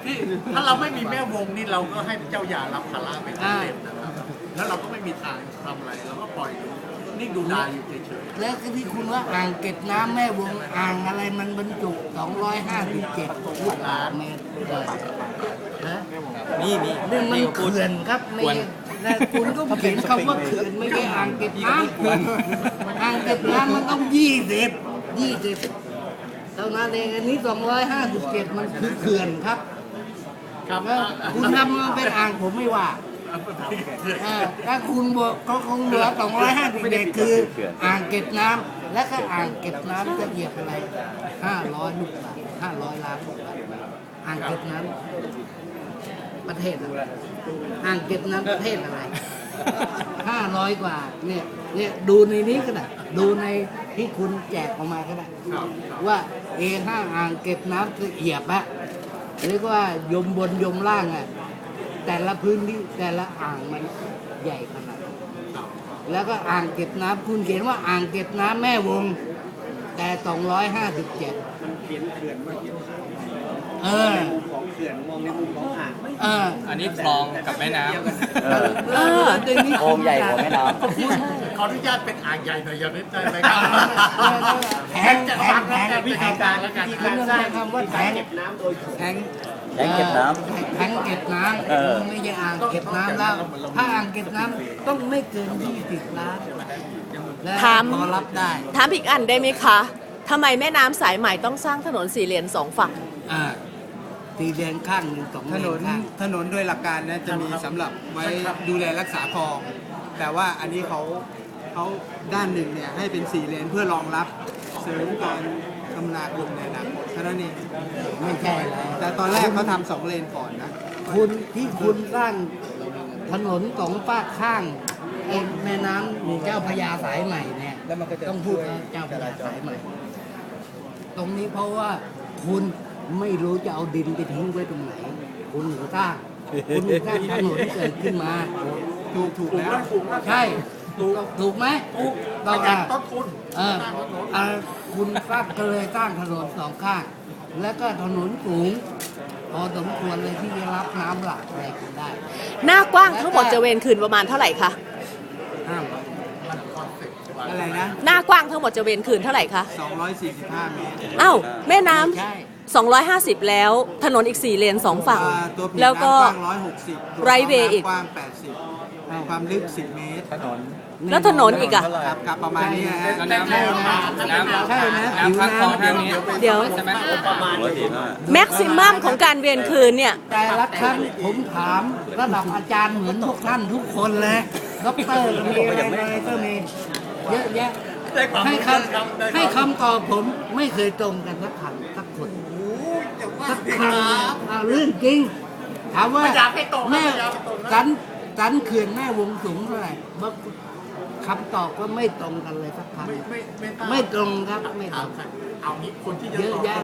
นี่ถ้าเราไม่มีแม่วงนี่เราก็ให้เจ้าหย่ารับภาระไปทั้งเล่มนะครับแล้วเราก็ไม่มีทางทำอะไรเราก็ปล่อยนิ่งดูดายอยู่เฉยแล้วก็ที่คุณว่าอ่างเก็บน้ำแม่วงอ่างอะไรมันบรรจุ257ลูกบาศก์เมตรฮะมีนี่มันเขื่อนครับไม่ใช่แล้วคุณก็เขียนคำว่าเขื่อนไม่ใช่อ่างเก็บน้ำอ่างเก็บน้ำมันต้อง20เท่านั้นเองอันนี้257มันคือเขื่อนครับๆครับแล้วคุณทำมันเป็นอ่างผมไม่ว่าถ้าคุณบอกก็คงเหลือ257คืออ่างเก็บน้ำและก็อ่างเก็บน้ำจะเหยียบอะไร500ลูกบาศก์500 ล้านลูกบาศก์อ่างเก็บน้ำประเทศอะไรอ่างเก็บน้ำประเทศอะไร500 กว่าเนี่ยดูในนี้ก็ได้ดูในที่คุณแจกออกมาก็ได้ว่าA5 อ่างเก็บน้ำละเอียดอะเรียกว่ายมบนยมล่างอะแต่ละพื้นที่แต่ละอ่างมันใหญ่ขนาดไหนแล้วก็อ่างเก็บน้ำคุณเขียนว่าอ่างเก็บน้ำแม่วงแต่257 มันเขียนเขื่อนมาเขียนของเขื่อนมองในมุมของอ่างอันนี้คลองกับแม่น้ำโอ่งใหญ่กว่าแม่น้ขออนุญาตเป็นอ่างใหญ่หน่อยอย่างนี้ได้ไหมครับแทงวิธีการแล้วกันคุณต้องใช้คำว่าแทงเก็บน้ำโดยแทงแทงเก็บน้ำไม่ใช่อ่างเก็บน้ำแล้วถ้าอ่างเก็บน้ำต้องไม่เกิน20 ล้านและถามพอรับได้ถามอีกอันได้ไหมคะทำไมแม่น้ำสายใหม่ต้องสร้างถนน4 เลน 2 ฝั่งตีแดงข้างหนึ่ง2 ถเลนนนข้างถนนโดยหลักการนะจะมีสำหรับไว้ดูแลรักษาคลอง แต่ว่าอันนี้เขาด้านหนึ่งเนี่ยให้เป็น4 เลนเพื่อรองรับเสริมการคมนาคมในอนาคตเท่านั้นเองไม่ใช่แล้วแต่ตอนแรกเขาทำ2 เลนก่อนนะคุณที่คุณสร้างถนน2 ฝากข้างไอ้แม่น้ำเจ้าพระยาสายใหม่เนี่ยแล้วมันก็จะต้องพูดว่าเจ้าพระยาสายใหม่ ตรงนี้เพราะว่าคุณไม่รู้จะเอาดินไปทิ้งไว้ตรงไหน คุณถึงสร้างคุณถึงสร้างถนนเกิดขึ้นมาถูกแล้วใช่ถูกไหมประหยัดต้นทุนคุณสร้างก็เลยสร้างถนน2 ข้าง แล้วก็ถนนสูง พอสมควรเลยที่จะรับน้ำหลักอะไรกันได้หน้ากว้างทั้งหมดจะเวรคืนประมาณเท่าไหร่คะห้ามอะไรนะหน้ากว้างทั้งหมดจะเวรคืนเท่าไหร่คะ 245 เมตรอ้าวแม่น้ใช่ำ250 แล้วถนนอีก4 เลน 2 ฝั่งตัวผีแล้วก็น้ำกว้าง160 ไรเวย์อีกกว้าง80ความลึก10 เมตรแล้วถนนอีกอะครับประมาณนี้นะฮะแล้วน้ำใช่นะน้ำข้างคลองทางนี้เดี๋ยวใช่ไหมประมาณแม็กซิมัมของการเวรคืนเนี่ยแต่ละครั้งผมถามระดับอาจารย์เหมือนพวกท่านทุกคนเลยด็อกเตอร์มีอะไรก็มีเยอะแยะให้คำตอบผมไม่เคยตรงกันสักคำสักคนสักคำเรื่องจริง ถามว่าแม่สันเขื่อนแม่วงสูงเท่าไหร่คำตอบก็ไม่ตรงกันเลยสักคำไม่ตรงครับไม่ตรงเอางี้คนที่จะเยอะตอบแยะ